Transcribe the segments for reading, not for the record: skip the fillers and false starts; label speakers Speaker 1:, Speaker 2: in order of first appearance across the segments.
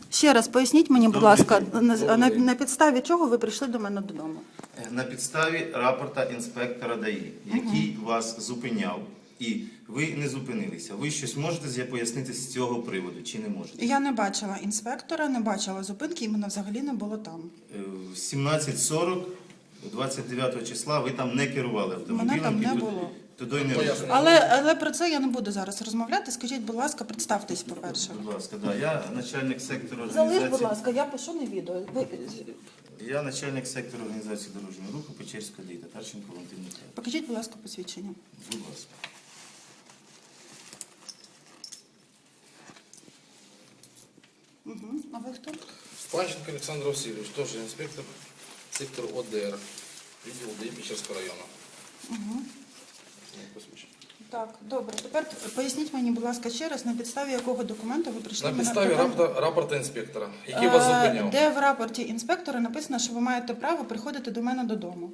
Speaker 1: Ще раз поясніть мені, будь
Speaker 2: Добрий
Speaker 1: ласка,
Speaker 2: день.
Speaker 1: на підставі чого ви прийшли до мене додому?
Speaker 2: На підставі рапорта інспектора ДАІ, який вас зупиняв, і ви не зупинилися. Ви щось можете пояснити з цього приводу, чи не можете?
Speaker 1: Я не бачила інспектора, не бачила зупинки, і мене взагалі не було там.
Speaker 2: В 17:40, 29 числа, ви там не керували автомобілем.
Speaker 1: Мене там не
Speaker 2: і
Speaker 1: було.
Speaker 2: Туди не рухали.
Speaker 1: Але про це я не буду зараз розмовляти. Скажіть, будь ласка, представтесь, по-перше.
Speaker 2: Будь ласка, да. Я начальник сектору
Speaker 1: Залиш,
Speaker 2: організації.
Speaker 1: будь ласка, я пишу на відео.
Speaker 2: Я начальник сектору організації дорожнього руху Печерського ДАІ, Татарченко Валентин Михайлович.
Speaker 1: Покажіть, будь ласка, посвідчення.
Speaker 2: Будь ласка.
Speaker 1: А ви хто?
Speaker 3: Панченко Олександр Васильович, теж інспектор сектору ОДР, відділ ДАІ Печерського району.
Speaker 1: Так, добре. Тепер поясніть мені, будь ласка, ще раз, на підставі якого документу ви прийшли
Speaker 3: На
Speaker 1: мене
Speaker 3: підставі
Speaker 1: додому?
Speaker 3: рапорта інспектора, який вас зупиняв.
Speaker 1: Де в рапорті інспектора написано, що ви маєте право приходити до мене додому?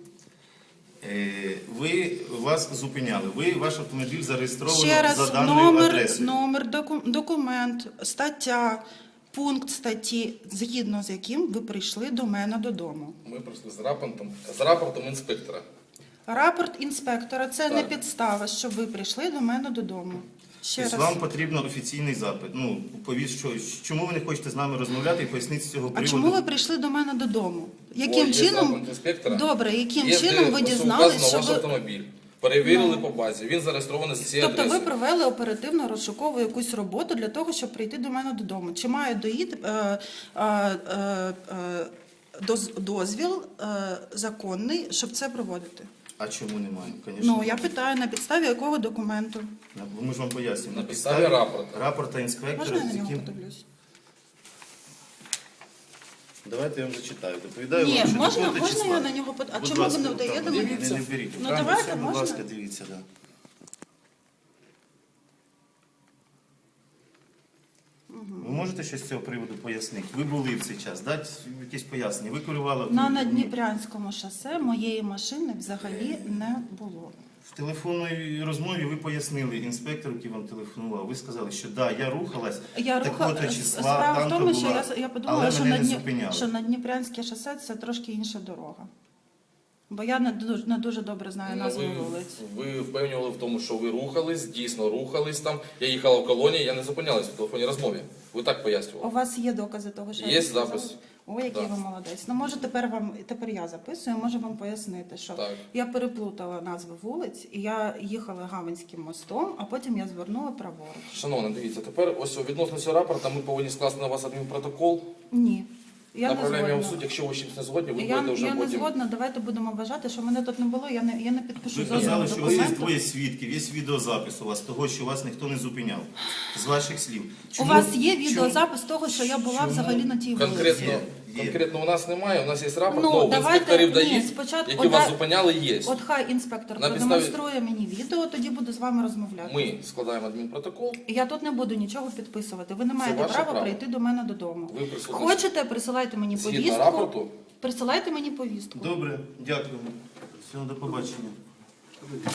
Speaker 2: Вас зупиняли. Ваш автомобіль зареєстровано
Speaker 1: Ще раз,
Speaker 2: за даною адресою.
Speaker 1: номер, документ, стаття, пункт статті, згідно з яким ви прийшли до мене додому.
Speaker 3: Ми прийшли з рапортом інспектора.
Speaker 1: Рапорт інспектора – це не
Speaker 3: Так.
Speaker 1: підстава, що ви прийшли до мене додому. Ще
Speaker 2: Тобто
Speaker 1: раз.
Speaker 2: вам потрібен офіційний запит. Ну, чому ви не хочете з нами розмовляти і пояснити з цього
Speaker 1: А
Speaker 2: приводу?
Speaker 1: чому ви прийшли до мене додому? Яким
Speaker 3: Є
Speaker 1: чином?
Speaker 3: запит інспектора.
Speaker 1: Добре, яким
Speaker 3: Є,
Speaker 1: чином
Speaker 3: де
Speaker 1: ви
Speaker 3: вказано
Speaker 1: дізналися, що
Speaker 3: ваш
Speaker 1: ви...
Speaker 3: автомобіль. Перевірили по базі, він зареєстрований з цієї
Speaker 1: Тобто ви
Speaker 3: адреси.
Speaker 1: провели оперативно-розшукову якусь роботу для того, щоб прийти до мене додому. Чи маю дозвіл законний, щоб це проводити?
Speaker 2: А чому немає? Конечно.
Speaker 1: Ну, я питаю, на підставі якого документу?
Speaker 2: Ми ж вам пояснюємо.
Speaker 3: На підставі
Speaker 2: рапорта інспектора,
Speaker 1: Можна я на
Speaker 2: з
Speaker 1: нього
Speaker 2: яким...
Speaker 1: подивлюсь?
Speaker 2: Давайте я вам зачитаю. Доповідаю
Speaker 1: Ні,
Speaker 2: вам, що
Speaker 1: можна
Speaker 2: такого-то числа.
Speaker 1: я на нього подивлюсь? А
Speaker 2: Будь
Speaker 1: чому ви
Speaker 2: ласка,
Speaker 1: не вдаєте
Speaker 2: там,
Speaker 1: мені
Speaker 2: не
Speaker 1: це?
Speaker 2: беріть.
Speaker 1: Ну,
Speaker 2: Там
Speaker 1: давайте,
Speaker 2: все, будь
Speaker 1: можна?
Speaker 2: ласка, дивіться, да. Ви можете щось з цього приводу пояснити? Ви були в цей час, дати якісь пояснення. Ви керували
Speaker 1: На
Speaker 2: автомобілем.
Speaker 1: Надніпрянському шосе моєї машини взагалі не було.
Speaker 2: В телефонній розмові ви пояснили інспектору, який вам телефонував. Ви сказали, що да, я рухалась такого-то числа,
Speaker 1: Справа в
Speaker 2: там-то
Speaker 1: тому, що
Speaker 2: була,
Speaker 1: я подумала,
Speaker 2: але
Speaker 1: що
Speaker 2: мене не зупиняли.
Speaker 1: що Надніпрянське шосе – це трошки інша дорога. Бо я не дуже добре знаю назву вулиць.
Speaker 3: Ви впевнювали в тому, що ви рухались, дійсно рухались там. Я їхала в колонії, я не зупинялась в телефонній розмові. Ви так
Speaker 1: У
Speaker 3: пояснювали.
Speaker 1: вас є докази того, що
Speaker 3: Є
Speaker 1: я сказала?
Speaker 3: запис.
Speaker 1: О, який
Speaker 3: Да.
Speaker 1: ви молодець. Ну, може, тепер я записую, можу вам пояснити, що
Speaker 3: Так.
Speaker 1: я переплутала назви вулиць, і я їхала Гаванським мостом, а потім я звернула праворуч.
Speaker 3: Шановна, дивіться, тепер ось відносно цього рапорта ми повинні скласти на вас адмінпротокол.
Speaker 1: Ні. Я не
Speaker 3: Направляємо його в
Speaker 1: згодна.
Speaker 3: суд, якщо ви з чимось не згодні, ви
Speaker 1: Я
Speaker 3: будете вже
Speaker 1: не
Speaker 3: потім...
Speaker 1: згодна, давайте будемо вважати, що мене тут не було, я не підпишу
Speaker 2: Ви
Speaker 1: жодного
Speaker 2: казали, що у вас є
Speaker 1: документу.
Speaker 2: двоє свідків, є відеозапис у вас того, що вас ніхто не зупиняв. З ваших слів.
Speaker 1: У вас є відеозапис того, що я була
Speaker 2: чому?
Speaker 1: взагалі на тій вулиці?
Speaker 3: Конкретно у нас немає, у нас є рапорт,
Speaker 1: Ну,
Speaker 3: но
Speaker 1: давайте-
Speaker 3: інспекторів
Speaker 1: ні,
Speaker 3: дають,
Speaker 1: спочатку-
Speaker 3: які вас зупиняли, є.
Speaker 1: От хай інспектор
Speaker 3: На
Speaker 1: продемонструє мені відео, тоді буду з вами розмовляти.
Speaker 3: Ми складаємо адмінпротокол.
Speaker 1: Я тут не буду нічого підписувати. Ви не маєте
Speaker 3: ваше
Speaker 1: права
Speaker 3: право.
Speaker 1: прийти до мене додому.
Speaker 3: Ви присутні.
Speaker 1: Хочете, присилайте мені
Speaker 3: Згідно
Speaker 1: повістку.
Speaker 3: рапорту.
Speaker 1: Присилайте мені повістку.
Speaker 2: Добре, дякую. Всього до побачення.